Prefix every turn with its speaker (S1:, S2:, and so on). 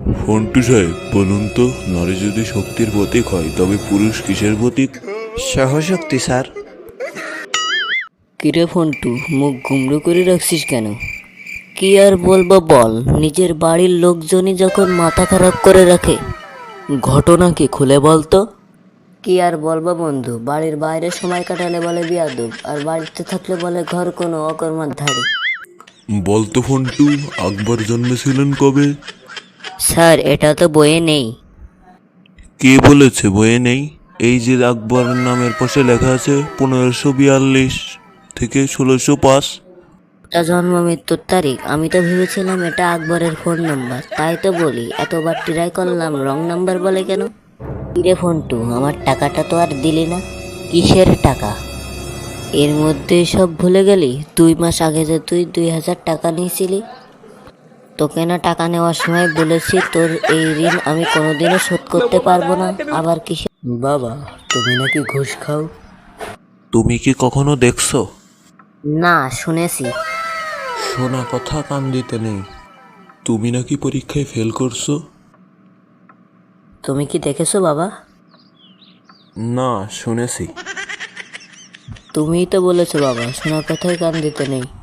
S1: ফন্টু সাহেব বলুন তো, নারী যদি শক্তির প্রতীক হয় তবে পুরুষ কিসের প্রতীক?
S2: সহশক্তি স্যার।
S3: কিরে ফন্টু, মুখ গুমড়ো করে রাখছিস কেন? কি আর বলবো বল, নিজের বাড়ির লোকজনই যখন মাথা খারাপ করে রাখে। ঘটনা কি খুলে বলতো? কি আর বলবো বন্ধু, বাড়ির বাইরে সময় কাটালে বলে বিয়াদব, আর বাড়িতে থাকলে বলে ঘর কোনো অকর্মার ধাড়ি।
S1: বলতো ফন্টু, আকবর জন্মেছিলেন কবে?
S3: স্যার, এটা তো বইয়ে নেই।
S1: কে বলেছে বইয়ে নেই? এই যে আকবর নামের পাশে লেখা আছে 1542 থেকে 1605।
S3: এটা জন্ম মৃত্যুর তারিখ। আমি তো ভেবেছিলাম এটা আকবরের ফোন নাম্বার, তাই তো বলি এতবার ট্রাই করলাম, রং নাম্বার বলে কেন? কিরে ফন্টু, আমার টাকাটা তো আর দিলি না। কিসের টাকা? এর মধ্যে সব ভুলে গেলি? 2 মাস আগে যে তুই 2000 টাকা নিয়েছিলি। তোকে না টাকা নেওয়ার সময় বলেছি তোর এই ঋণ আমি কোনোদিনও শোধ করতে পারবো না, আবার কিসে? বাবা, তুমি নাকি ঘুষ খাও?
S1: তুমি কি কখনো দেখছো?
S3: না, শুনেছি।
S1: শোনা কথা কান দিতে নেই। তুমি নাকি পরীক্ষায় ফেল করছো?
S3: তুমি কি দেখেছো বাবা?
S1: না, শুনেছি।
S3: তুমিই তো বলেছো বাবা, শোনা কথায় কান দিতে নেই।